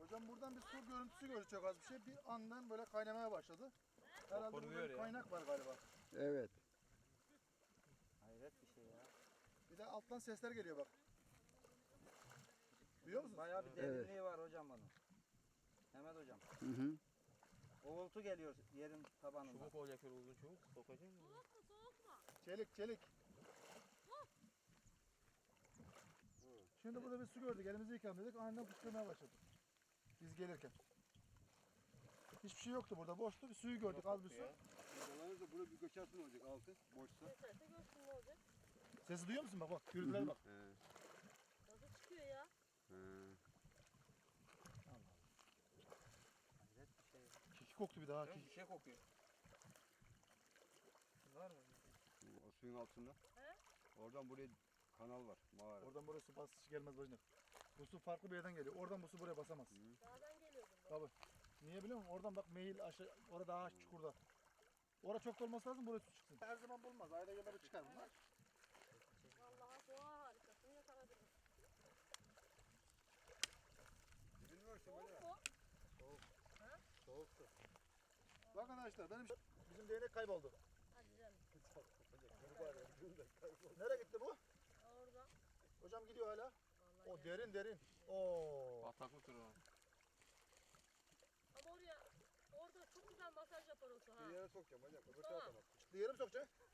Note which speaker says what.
Speaker 1: Hocam buradan bir su görüntüsü gördük çok az bir şey. Bir andan böyle kaynamaya başladı. Herhalde burada bir kaynak var galiba.
Speaker 2: Evet.
Speaker 3: Hayret bir şey ya.
Speaker 1: Bir de alttan sesler geliyor bak. Duyuyor musunuz?
Speaker 3: Bayağı bir derinliği var hocam bunun. Mehmet hocam.
Speaker 2: Hı hı.
Speaker 3: Uğultu geliyor yerin tabanından.
Speaker 4: Çubuk olacak şöyle uzun çubuk. Sokacak mı?
Speaker 1: Çelik çelik. Şimdi burada bir su gördük. Elimizi yıkayalım dedik. Aniden fışkırmaya başladı. Biz gelirken. Hiçbir şey yoktu burada. Boştu. Bir suyu gördük. Az bir su.
Speaker 5: Dolanır da burada bir göçersin olacak altı boşsa.
Speaker 6: Yeterse görsün ne olacak?
Speaker 1: Sesi duyuyor musun? Bak bak. Gürültülere bak.
Speaker 5: He.
Speaker 6: Nasıl çıkıyor ya?
Speaker 5: He.
Speaker 3: Hayret bir şey.
Speaker 1: Kiki koktu bir daha.
Speaker 4: Bir
Speaker 1: Kiki.
Speaker 4: şey kokuyor. Var mı?
Speaker 5: O suyun altında.
Speaker 6: He?
Speaker 5: Oradan buraya kanal var. Mağara.
Speaker 1: Oradan buraya su basış gelmez bacım. Bu su farklı bir yerden geliyor. Oradan bu su buraya basamaz.
Speaker 6: Dağdan geliyordum ben.
Speaker 1: Tabii. Niye biliyor musun? Oradan bak meyil aşağı. Orada daha çukurda. Orada çok da olması lazım. Buraya su çıksın. Her zaman bulmaz. Ayda gelmede çıkar bunlar.
Speaker 6: Vallahi doğa harikasını yakaladınız.
Speaker 5: Bilmiyorum
Speaker 6: Soğuk mu?
Speaker 3: Soğuk su.
Speaker 1: Bak arkadaşlar bizim değnek kayboldu.
Speaker 6: Hadi canım.
Speaker 1: Nereye gitti bu?
Speaker 6: Orada.
Speaker 1: Hocam gidiyor hala.
Speaker 6: Vallahi
Speaker 1: O
Speaker 6: ya.
Speaker 1: derin derin. Oo.
Speaker 4: Bataklık durur.
Speaker 6: Ama orada çok güzel masaj yapar o su ha.
Speaker 5: Bir yere sokacağım hocam. Öbür
Speaker 6: Tamam.
Speaker 5: tarafa bak.
Speaker 1: Çıktı yere mi sokacak?